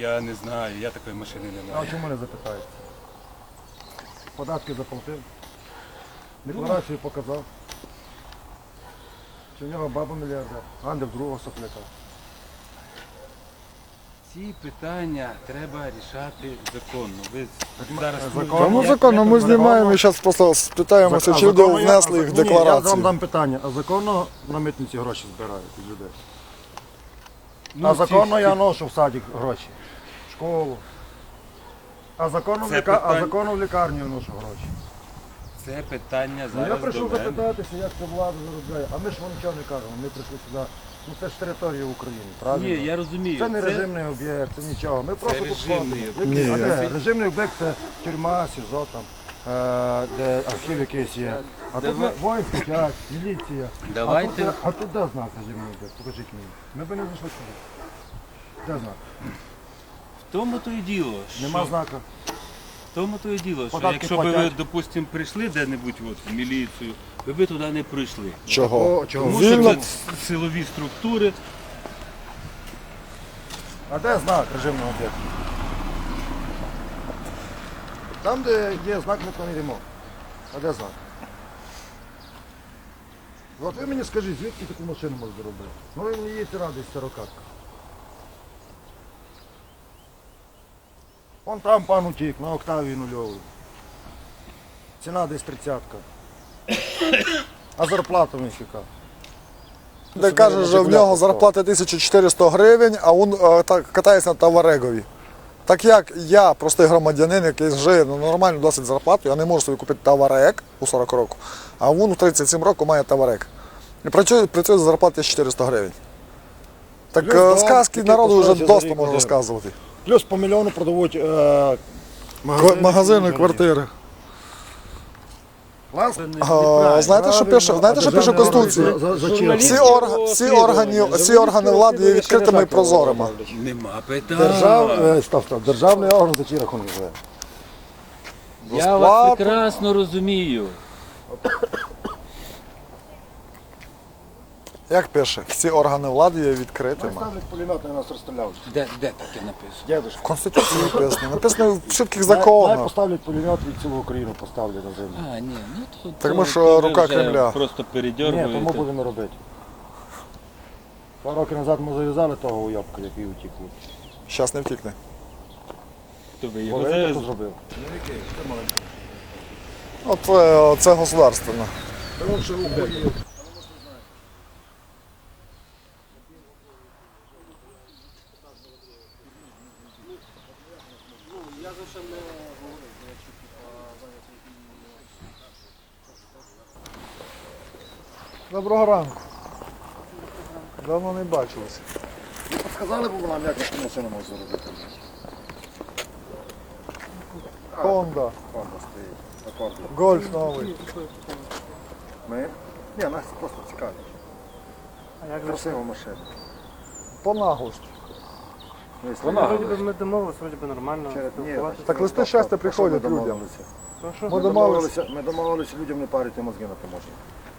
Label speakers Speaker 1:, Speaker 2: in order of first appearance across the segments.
Speaker 1: Я не знаю, я такої машини не
Speaker 2: А
Speaker 1: маю.
Speaker 2: чому не запитаєте? Податки заплатив, декларацію показав. Чи в нього баба мільярдер, а не в другого сопляка.
Speaker 1: Ці питання треба рішати законно. Ви зараз
Speaker 2: законно?
Speaker 3: Ну законно, ми знімаємо і зараз просто спитаємося, чи люди внесли їх в
Speaker 2: Я вам
Speaker 3: декларацію.
Speaker 2: дам питання, а законно на митниці гроші збирають від людей?
Speaker 1: Ну,
Speaker 2: А законно
Speaker 1: ці-
Speaker 2: я ношу в садик гроші, в школу. А законно,
Speaker 1: Це питання-
Speaker 2: законно в лікарню я ношу гроші.
Speaker 1: Це питання
Speaker 2: Ну, я
Speaker 1: зараз
Speaker 2: прийшов
Speaker 1: до мене.
Speaker 2: запитатися, як це влада заробляє. А ми ж вам нічого не кажемо, ми прийшли сюди. Ну це ж територія України, правильно?
Speaker 1: Ні, я розумію.
Speaker 2: Це не режимний об'єкт, це нічого. Ми просто тут
Speaker 1: режимний
Speaker 2: ходимо.
Speaker 3: об'єкт.
Speaker 2: А
Speaker 3: Ні.
Speaker 2: де? Режимний об'єкт це тюрма, СІЗО, там, де архів якийсь є. А тут
Speaker 1: Давай-
Speaker 2: воїнський час, міліція.
Speaker 1: Давайте.
Speaker 2: А тут де знак режимний об'єкт? Покажіть мені. Ми б не зайшли сюди. Де знак?
Speaker 1: В тому то і діло,
Speaker 2: Нема
Speaker 1: що,
Speaker 2: знака.
Speaker 1: в тому то і діло, що
Speaker 2: Податки
Speaker 1: якщо б ви,
Speaker 2: платять.
Speaker 1: допустимо, прийшли де-небудь от, в міліцію, ви б туди не прийшли.
Speaker 3: Чого?
Speaker 2: Чого?
Speaker 1: Тому
Speaker 3: Вільно.
Speaker 1: що це силові структури.
Speaker 2: А де знак режимного об'єкту? Там, де є знак, ми там йдемо. А де знак? От ви мені скажіть, звідки таку машину можна робити? Ну ви мені їдете радий сорокатка. Вон там пан утік, на Октавії нульовий. Ціна десь 30-ка. А зарплата в них яка?
Speaker 3: Де каже, що в нього зарплата 1400 гривень, а він так катається на Таварегові. Так як я, простий громадянин, який живе на нормальну досить зарплату, я не можу собі купити Таварек у 40 років, а він у 37 років має Таварек. І працює за зарплату 400 гривень. Так
Speaker 2: Плюс дом,
Speaker 3: сказки
Speaker 2: який
Speaker 3: народу вже
Speaker 2: коштує за
Speaker 3: досить
Speaker 2: рік
Speaker 3: можна
Speaker 2: один.
Speaker 3: розказувати.
Speaker 2: Плюс по мільйону продають
Speaker 3: Магазини, квартири. Знаєте, що пише Конституція? Всі органи влади є відкритими і прозорими.
Speaker 1: Нема питань.
Speaker 2: Державний орган за чий рахунок живе.
Speaker 1: Я вас прекрасно розумію.
Speaker 3: Як пише? Всі органи влади є відкритими.
Speaker 2: Ставлять пулемет, на нас розстріляють.
Speaker 1: Де таке написано?
Speaker 2: Дядюшка.
Speaker 3: В Конституції написано. Написано в чітких
Speaker 2: Най
Speaker 3: законах.
Speaker 2: поставлять пулемет і цілу Україну поставлять на землю.
Speaker 1: А, ні, ну то,
Speaker 3: Тому
Speaker 1: то-
Speaker 3: що
Speaker 1: то ви
Speaker 3: рука
Speaker 1: вже
Speaker 3: Кремля.
Speaker 1: Просто
Speaker 2: Ні,
Speaker 1: передьоргуєте.
Speaker 2: тому будемо робити. 2 роки назад ми зав'язали того уйобка, який утік.
Speaker 3: Зараз не втікне.
Speaker 1: То ви його
Speaker 2: Олег
Speaker 1: за-
Speaker 2: хто зробив?
Speaker 3: Це государственне. Доброго ранку. Давно не бачилися.
Speaker 2: Сказали б нам, як таку машину можна зробити.
Speaker 3: Honda,
Speaker 2: Honda стоїть. Акорди.
Speaker 3: Гольф новий.
Speaker 2: Ми? Ні, нас просто цікавить.
Speaker 4: А як же
Speaker 2: Красива машина.
Speaker 3: По наглості.
Speaker 4: вроді би ми домовилися, вроді би нормально. спілкуватися.
Speaker 3: Так листи щастя приходять людям.
Speaker 4: Що?
Speaker 3: Ми домовилися.
Speaker 2: Ми домовилися людям не парити мозги на таможні.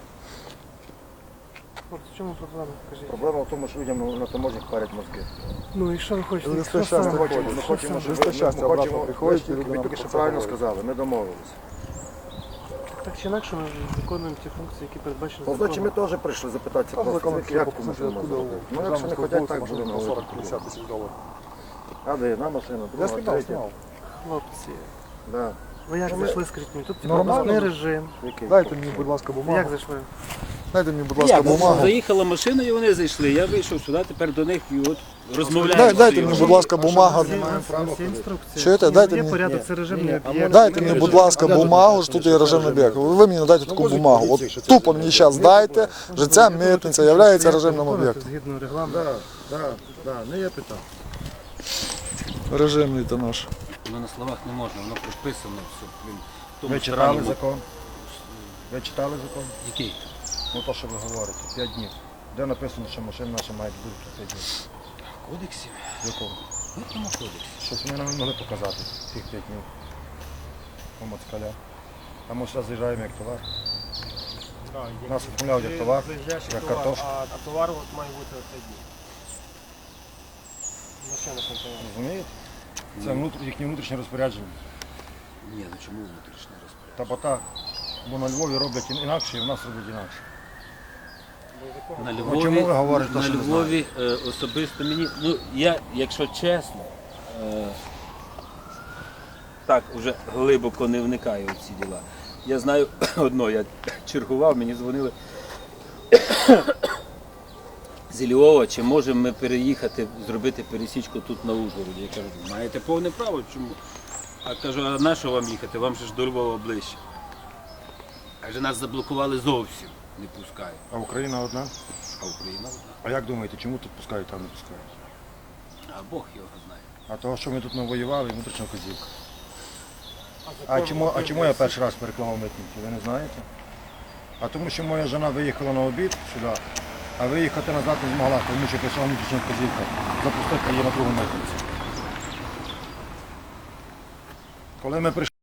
Speaker 4: Хлопці, в чому проблема? Кажіть.
Speaker 2: Проблема в тому, що людям на таможнях парять мозги.
Speaker 4: Ну і що ви хочете?
Speaker 3: Листи
Speaker 4: Що
Speaker 3: щастя
Speaker 4: саме?
Speaker 3: приходять.
Speaker 2: Ми хочемо, щоб
Speaker 3: Листи щастя
Speaker 2: ми
Speaker 3: обратно
Speaker 2: хочемо,
Speaker 3: приходять, і люди
Speaker 2: ви
Speaker 3: нам
Speaker 2: тільки що
Speaker 3: про це
Speaker 2: правильно
Speaker 3: говорять.
Speaker 2: сказали, ми домовилися.
Speaker 4: Так чи інакше ми виконуємо ті функції, які передбачені
Speaker 2: Ну, значить, ми
Speaker 4: законом.
Speaker 2: теж прийшли запитатися
Speaker 3: Там
Speaker 2: просто,
Speaker 3: закон
Speaker 2: звідки, як таку
Speaker 3: покупки,
Speaker 2: машину можна
Speaker 3: откуда
Speaker 2: робити.
Speaker 3: у
Speaker 2: Ну, якщо не хочуть, так
Speaker 3: машину
Speaker 2: будемо
Speaker 3: на
Speaker 2: говорити.
Speaker 3: 40-50 тисяч доларів.
Speaker 2: А де одна машина,
Speaker 3: Я
Speaker 2: друга,
Speaker 3: знімав,
Speaker 2: третя.
Speaker 3: знімав.
Speaker 4: Хлопці,
Speaker 2: Да.
Speaker 4: ви як
Speaker 2: Ну, ми-
Speaker 4: зайшли, скажіть мені? Тут
Speaker 3: Нормально.
Speaker 4: пропускний режим.
Speaker 2: Який?
Speaker 3: Дайте мені, будь ласка,
Speaker 4: Як
Speaker 3: бумагу.
Speaker 4: зайшли?
Speaker 3: Дайте мені, будь ласка,
Speaker 1: Як?
Speaker 3: бумагу.
Speaker 1: Заїхала машина і вони зайшли. Я вийшов сюди, тепер до них і от розмовляю.
Speaker 3: Дайте мені, будь ласка, бумагу.
Speaker 4: Всі інструкції.
Speaker 3: Чуєте? Дайте
Speaker 4: Є
Speaker 3: мені.
Speaker 4: порядок, це режимний
Speaker 2: а
Speaker 4: об'єкт.
Speaker 3: Дайте мені, будь ласка, бумагу, що тут є режимний об'єкт. Ви мені дайте таку бумагу. От тупо мені зараз дайте, що ця митниця є режимним об'єктом.
Speaker 4: Згідно регламенту.
Speaker 2: Не є питань.
Speaker 3: Режимний то наш.
Speaker 1: Воно на словах не можна, воно прописано все. Блін, в тому
Speaker 2: Ви читали
Speaker 1: странному-
Speaker 2: закон? Ви читали закон?
Speaker 1: Який?
Speaker 2: Ну то, що ви говорите, 5 днів. Де написано, що машина наша має бути 5 днів?
Speaker 1: Кодексі?
Speaker 2: В якому?
Speaker 1: В якому кодексі?
Speaker 2: Щось ми нам не могли показати тих 5 днів. У москаля. А ми зараз заїжджаємо як товар. Нас оформляють як товар, як картошку.
Speaker 4: А товар от має бути 5 днів. Ще не контролює.
Speaker 2: Розумієте? Це їхнє внутрішнє розпорядження.
Speaker 1: Ні, ну чому внутрішнє розпорядження?
Speaker 2: Та бо так. Бо на Львові роблять інакше, і в нас роблять інакше.
Speaker 1: На
Speaker 2: Ну, чому ви говорите,
Speaker 1: на
Speaker 2: що не
Speaker 1: Львові особисто мені, ну я, якщо чесно, так уже глибоко не вникаю в ці діла. Я знаю одно, я чергував, мені дзвонили з Львова, чи можемо ми переїхати, зробити пересічку тут на Ужгороді. Я кажу, маєте повне право, чому? А кажу, а на що вам їхати? Вам же ж до Львова ближче. Каже, нас заблокували зовсім, не пускають.
Speaker 2: А Україна одна?
Speaker 1: А Україна одна.
Speaker 2: А як думаєте, чому тут пускають, там не пускають?
Speaker 1: А Бог його знає.
Speaker 2: А того, що ми тут навоювали, внутрішня вказівка. А чому я перший раз перекламав митники, ви не знаєте? А тому, що моя жена виїхала на обід сюди, а виїхати назад не змогла, тому що прийшла внутрішня вказівка запустити її на другу митницю. Коли ми прийшли